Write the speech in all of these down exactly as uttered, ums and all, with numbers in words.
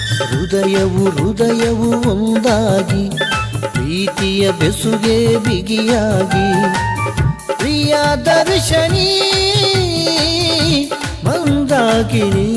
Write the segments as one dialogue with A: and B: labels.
A: ಹೃದಯವು ಹೃದಯವು ಒಂದಾಗಿ ಪ್ರೀತಿಯ ಬೆಸುಗೆ ಬಿಗಿಯಾಗಿ ಪ್ರಿಯ ದರ್ಶನಿ ಮಂದಾಕಿನಿ.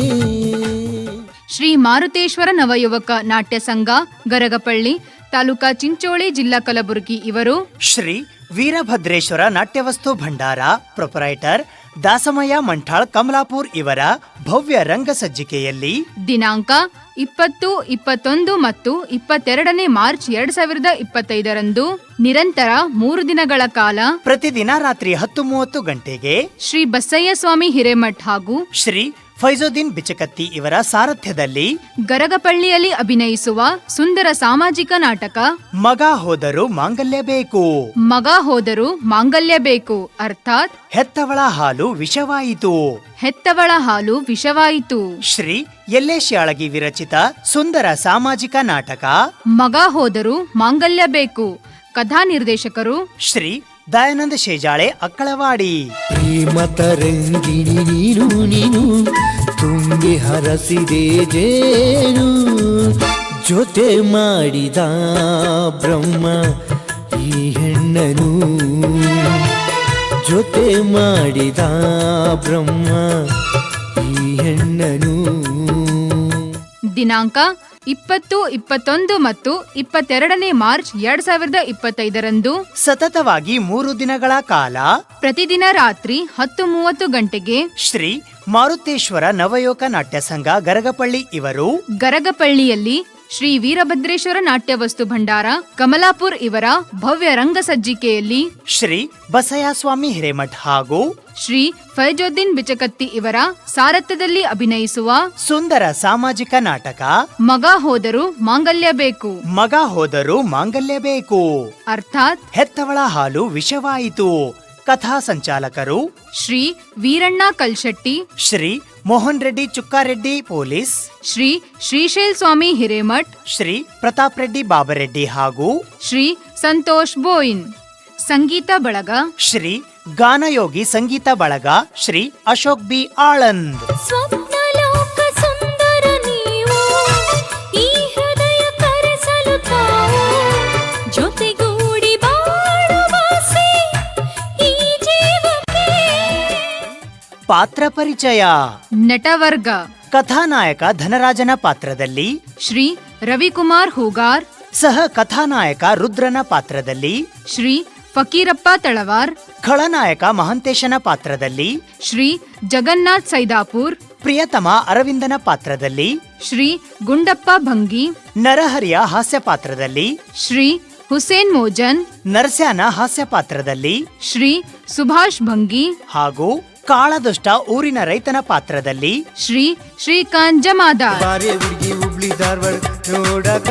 B: ಶ್ರೀ ಮಾರುತೇಶ್ವರ ನವಯುವಕ ನಾಟ್ಯ ಸಂಘ ಗರಗಪಳ್ಳಿ ತಾಲೂಕಾ ಚಿಂಚೋಳಿ ಜಿಲ್ಲಾ ಕಲಬುರಗಿ ಇವರು
C: ಶ್ರೀ ವೀರಭದ್ರೇಶ್ವರ ನಾಟ್ಯವಸ್ತು ಭಂಡಾರ ಪ್ರೊಪರೈಟರ್ ದಾಸಮಯ್ಯ ಮಂಠಾಳ್ ಕಮಲಾಪುರ್ ಇವರ ಭವ್ಯ ರಂಗಸಜ್ಜಿಕೆಯಲ್ಲಿ
B: ದಿನಾಂಕ ಇಪ್ಪತ್ತು ಇಪ್ಪತ್ತೊಂದು ಮತ್ತು ಇಪ್ಪತ್ತೆರಡನೇ ಮಾರ್ಚ್ ಎರಡ್ ಸಾವಿರದ ಇಪ್ಪತ್ತೈದರಂದು ನಿರಂತರ ಮೂರು ದಿನಗಳ ಕಾಲ
C: ಪ್ರತಿದಿನ ರಾತ್ರಿ ಹತ್ತು ಮೂವತ್ತು ಗಂಟೆಗೆ
B: ಶ್ರೀ ಬಸಯ್ಯ ಸ್ವಾಮಿ ಹಿರೇಮಠ್ ಹಾಗೂ
C: ಶ್ರೀ ಫೈಜುದ್ದೀನ್ ಬಿಚಕತ್ತಿ ಇವರ ಸಾರಥ್ಯದಲ್ಲಿ
B: ಗರಗಪಳ್ಳಿಯಲ್ಲಿ ಅಭಿನಯಿಸುವ ಸುಂದರ ಸಾಮಾಜಿಕ ನಾಟಕ
C: ಮಗ ಹೋದರೂ ಮಾಂಗಲ್ಯ ಬೇಕು.
B: ಮಗ ಹೋದರೂ ಮಾಂಗಲ್ಯ ಬೇಕು ಅರ್ಥಾತ್
C: ಹೆತ್ತವಳ ಹಾಲು ವಿಷವಾಯಿತು.
B: ಹೆತ್ತವಳ ಹಾಲು ವಿಷವಾಯಿತು.
C: ಶ್ರೀ ಯಲ್ಲೇಶ್ ಯಾಳಗಿ ವಿರಚಿತ ಸುಂದರ ಸಾಮಾಜಿಕ ನಾಟಕ
B: ಮಗ ಹೋದರೂ ಮಾಂಗಲ್ಯ ಬೇಕು. ಕಥಾ ನಿರ್ದೇಶಕರು
C: ಶ್ರೀ ದಯಾನಂದ ಶೇಜಾಳೆ ಅಕ್ಕಳವಾಡಿ.
A: ಪ್ರೇಮ ತರಂಗಿಣಿ ನೀನು ನೀನು ತುಂಬಿ ಹರಸಿದೆ ಜೇನು ಜೊತೆ ಮಾಡಿದ ಬ್ರಹ್ಮ ಈ ಹೆಣ್ಣನು ಜೊತೆ ಮಾಡಿದ ಬ್ರಹ್ಮ ಈ ಹೆಣ್ಣನು.
B: ದಿನಾಂಕ ಇಪ್ಪತ್ತು ಇಪ್ಪತ್ತೊಂದು ಮತ್ತು ಇಪ್ಪತ್ತೆರಡನೇ ಮಾರ್ಚ್ ಎರಡ್ ಸಾವಿರದ ಇಪ್ಪತ್ತೈದರಂದು
C: ಸತತವಾಗಿ ಮೂರು ದಿನಗಳ ಕಾಲ
B: ಪ್ರತಿದಿನ ರಾತ್ರಿ ಹತ್ತು ಮೂವತ್ತು ಗಂಟೆಗೆ
C: ಶ್ರೀ ಮಾರುತೇಶ್ವರ ನವಯೋಗ ನಾಟ್ಯ ಸಂಘ ಗರಗಪಳ್ಳಿ ಇವರು
B: ಗರಗಪಳ್ಳಿಯಲ್ಲಿ ಶ್ರೀ ವೀರಭದ್ರೇಶ್ವರ ನಾಟ್ಯವಸ್ತು ಭಂಡಾರ ಕಮಲಾಪುರ್ ಇವರ ಭವ್ಯ ರಂಗಸಜ್ಜಿಕೆಯಲ್ಲಿ
C: ಶ್ರೀ ಬಸಯ್ಯಸ್ವಾಮಿ ಹಿರೇಮಠ್ ಹಾಗೂ
B: ಶ್ರೀ ಫೈಜುದ್ದೀನ್ ಬಿಚಕತ್ತಿ ಇವರ ಸಾರಥ್ಯದಲ್ಲಿ ಅಭಿನಯಿಸುವ
C: ಸುಂದರ ಸಾಮಾಜಿಕ ನಾಟಕ
B: ಮಗ ಹೋದರೂ ಮಾಂಗಲ್ಯ ಬೇಕು.
C: ಮಗ ಹೋದರೂ ಮಾಂಗಲ್ಯ ಬೇಕು
B: ಅರ್ಥಾತ್
C: ಹೆತ್ತವಳ ಹಾಲು ವಿಷವಾಯಿತು. ಕಥಾ ಸಂಚಾಲಕರು
B: ಶ್ರೀ ವೀರಣ್ಣ ಕಲ್ಶೆಟ್ಟಿ,
C: ಶ್ರೀ ಮೋಹನ್ ರೆಡ್ಡಿ ಚುಕ್ಕಾರೆಡ್ಡಿ ಪೊಲೀಸ್,
B: ಶ್ರೀ ಶ್ರೀಶೈಲ್ ಸ್ವಾಮಿ ಹಿರೇಮಠ್,
C: ಶ್ರೀ ಪ್ರತಾಪ್ ರೆಡ್ಡಿ ಬಾಬರೆಡ್ಡಿ ಹಾಗೂ
B: ಶ್ರೀ ಸಂತೋಷ್ ಬೋಯಿನ್. ಸಂಗೀತ ಬಳಗ
C: ಶ್ರೀ ಗಾನಯೋಗಿ ಸಂಗೀತ ಬಳಗ ಶ್ರೀ ಅಶೋಕ್ ಬಿ ಆಳಂದ್. ಪಾತ್ರ ಪರಿಚಯ
B: ನಟವರ್ಗ
C: ಕಥಾನಾಯಕ ಧನರಾಜನ ಪಾತ್ರದಲ್ಲಿ
B: ಶ್ರೀ ರವಿಕುಮಾರ್ ಹೂಗಾರ್,
C: ಸಹ ಕಥಾನಾಯಕ ರುದ್ರನ ಪಾತ್ರದಲ್ಲಿ
B: ಶ್ರೀ ಫಕೀರಪ್ಪ ತಳವಾರ್,
C: ಖಳನಾಯಕ ಮಹಂತೇಶನ ಪಾತ್ರದಲ್ಲಿ
B: ಶ್ರೀ ಜಗನ್ನಾಥ್ ಸೈದಾಪುರ್,
C: ಪ್ರಿಯತಮ ಅರವಿಂದನ ಪಾತ್ರದಲ್ಲಿ
B: ಶ್ರೀ ಗುಂಡಪ್ಪ ಭಂಗಿ,
C: ನರಹರಿಯ ಹಾಸ್ಯ ಪಾತ್ರದಲ್ಲಿ
B: ಶ್ರೀ ಹುಸೇನ್ ಮೋಜನ್,
C: ನರಸ್ಯಾನ ಹಾಸ್ಯ ಪಾತ್ರದಲ್ಲಿ
B: ಶ್ರೀ ಸುಭಾಷ್ ಭಂಗಿ
C: ಹಾಗೂ ಕಾಳದುಷ್ಟ ಊರಿನ ರೈತನ ಪಾತ್ರದಲ್ಲಿ
B: ಶ್ರೀ ಶ್ರೀಕಾಂತ್ ಜಮಾದಾರ್.
A: ಹುಬ್ಳಿ ಧಾರವಾಡ ನೋಡಕ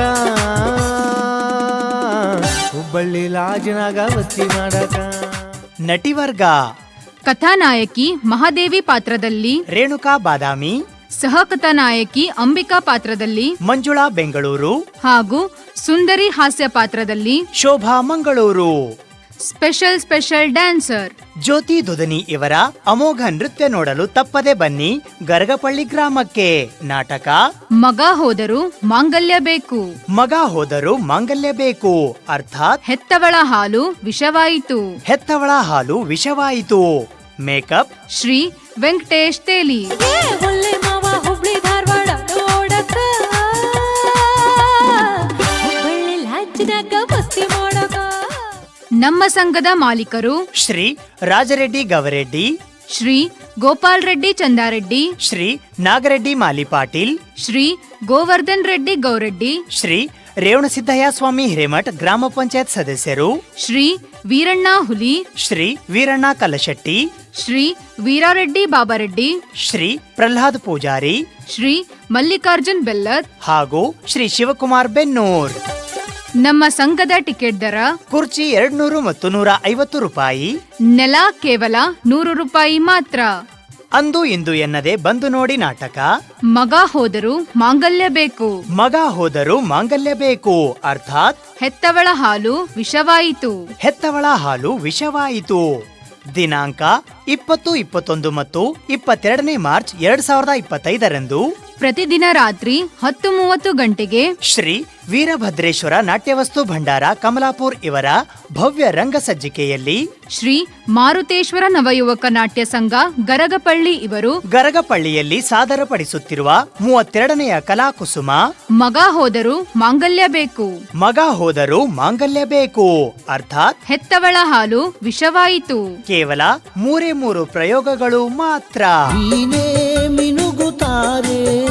A: ಹುಬ್ಬಳ್ಳಿ ಲಾಜನಾಗ ವಸ್ತಿ ಮಾಡಕ.
C: ನಟಿವರ್ಗ
B: ಕಥಾನಾಯಕಿ ಮಹಾದೇವಿ ಪಾತ್ರದಲ್ಲಿ
C: ರೇಣುಕಾ ಬಾದಾಮಿ,
B: ಸಹ ಕಥಾನಾಯಕಿ ಅಂಬಿಕಾ ಪಾತ್ರದಲ್ಲಿ
C: ಮಂಜುಳಾ ಬೆಂಗಳೂರು
B: ಹಾಗೂ ಸುಂದರಿ ಹಾಸ್ಯ ಪಾತ್ರದಲ್ಲಿ
C: Shobha Mangaluru.
B: Special special dancer
C: Jyoti Dudani ಇವರ ಅಮೋಘ ನೃತ್ಯ ನೋಡಲು ತಪ್ಪದೆ ಬನ್ನಿ ಗರಗಪಳ್ಳಿ ಗ್ರಾಮಕ್ಕೆ. ನಾಟಕ
B: ಮಗ ಹೋದರೂ ಮಾಂಗಲ್ಯ ಬೇಕು.
C: ಮಗ ಹೋದರೂ ಮಾಂಗಲ್ಯ ಬೇಕು ಅರ್ಥಾತ್
B: ಹೆತ್ತವಳ ಹಾಲು ವಿಷವಾಯಿತು.
C: ಹೆತ್ತವಳ ಹಾಲು ವಿಷವಾಯಿತು. ಮೇಕಪ್
B: ಶ್ರೀ ವೆಂಕಟೇಶ್ ತೇಲಿ.
D: ಹುಬ್ಳಿ ಧಾರವಾಡ ನೋಡಕ ಹುಬ್ಬಳ್ಳಿ ಲಾಜ್ನಾಗ ವಸ್ತಿ ಮಾಡಕ.
B: ನಮ್ಮ ಸಂಘದ ಮಾಲೀಕರು
C: ಶ್ರೀ ರಾಜರೆಡ್ಡಿ ಗವರೆಡ್ಡಿ,
B: ಶ್ರೀ ಗೋಪಾಲ್ ರೆಡ್ಡಿ ಚಂದಾರೆಡ್ಡಿ,
C: ಶ್ರೀ ನಾಗರೆಡ್ಡಿ ಮಾಲಿ ಪಾಟೀಲ್,
B: ಶ್ರೀ ಗೋವರ್ಧನ್ ರೆಡ್ಡಿ ಗೌರೆಡ್ಡಿ,
C: ಶ್ರೀ ರೇವಣಸಿದ್ದಯ್ಯ ಸ್ವಾಮಿ ಹಿರೇಮಠ್ ಗ್ರಾಮ ಪಂಚಾಯತ್ ಸದಸ್ಯರು,
B: ಶ್ರೀ ವೀರಣ್ಣ ಹುಲಿ,
C: ಶ್ರೀ ವೀರಣ್ಣ ಕಲಶೆಟ್ಟಿ,
B: ಶ್ರೀ ವೀರಾರೆಡ್ಡಿ ಬಾಬಾರೆಡ್ಡಿ,
C: ಶ್ರೀ ಪ್ರಹ್ಲಾದ್ ಪೂಜಾರಿ,
B: ಶ್ರೀ ಮಲ್ಲಿಕಾರ್ಜುನ್ ಬೆಲ್ಲದ್
C: ಹಾಗೂ ಶ್ರೀ ಶಿವಕುಮಾರ್ ಬೆನ್ನೂರ್.
B: ನಮ್ಮ ಸಂಘದ ಟಿಕೆಟ್ ದರ
C: ಕುರ್ಚಿ ಎರಡ್ ನೂರು ಮತ್ತು ನೂರ ಐವತ್ತು ರೂಪಾಯಿ,
B: ನೆಲ ಕೇವಲ ನೂರು ರೂಪಾಯಿ ಮಾತ್ರ.
C: ಅಂದು ಇಂದು ಎನ್ನದೆ ಬಂದು ನೋಡಿ ನಾಟಕ
B: ಮಗ ಹೋದರೂ ಮಾಂಗಲ್ಯ ಬೇಕು.
C: ಮಗ ಹೋದರೂ ಮಾಂಗಲ್ಯ ಬೇಕು ಅರ್ಥಾತ್
B: ಹೆತ್ತವಳ ಹಾಲು ವಿಷವಾಯಿತು.
C: ಹೆತ್ತವಳ ಹಾಲು ವಿಷವಾಯಿತು. ದಿನಾಂಕ ಇಪ್ಪತ್ತು ಇಪ್ಪತ್ತೊಂದು ಮತ್ತು ಇಪ್ಪತ್ತೆರಡನೇ ಮಾರ್ಚ್ ಎರಡ್ ಸಾವಿರದ ಇಪ್ಪತ್ತೈದರಂದು
B: ಪ್ರತಿದಿನ ರಾತ್ರಿ ಹತ್ತು ಮೂವತ್ತು ಗಂಟೆಗೆ
C: ಶ್ರೀ ವೀರಭದ್ರೇಶ್ವರ ನಾಟ್ಯವಸ್ತು ಭಂಡಾರ ಕಮಲಾಪುರ್ ಇವರ ಭವ್ಯ ರಂಗಸಜ್ಜಿಕೆಯಲ್ಲಿ
B: ಶ್ರೀ ಮಾರುತೇಶ್ವರ ನವಯುವಕ ನಾಟ್ಯ ಸಂಘ ಗರಗಪಳ್ಳಿ ಇವರು
C: ಗರಗಪಳ್ಳಿಯಲ್ಲಿ ಸಾದರಪಡಿಸುತ್ತಿರುವ ಮೂವತ್ತೆರಡನೆಯ ಕಲಾಕುಸುಮ
B: ಮಗ ಹೋದರೂ ಮಾಂಗಲ್ಯ ಬೇಕು,
C: ಮಗ ಹೋದರೂ ಮಾಂಗಲ್ಯ ಬೇಕು, ಅರ್ಥಾತ್
B: ಹೆತ್ತವಳ ಹಾಲು ವಿಷವಾಯಿತು.
C: ಕೇವಲ ಮೂರೇ ಮೂರು ಪ್ರಯೋಗಗಳು ಮಾತ್ರ.
A: ನೀನೇ ಮಿನುಗುತ್ತಾರೆ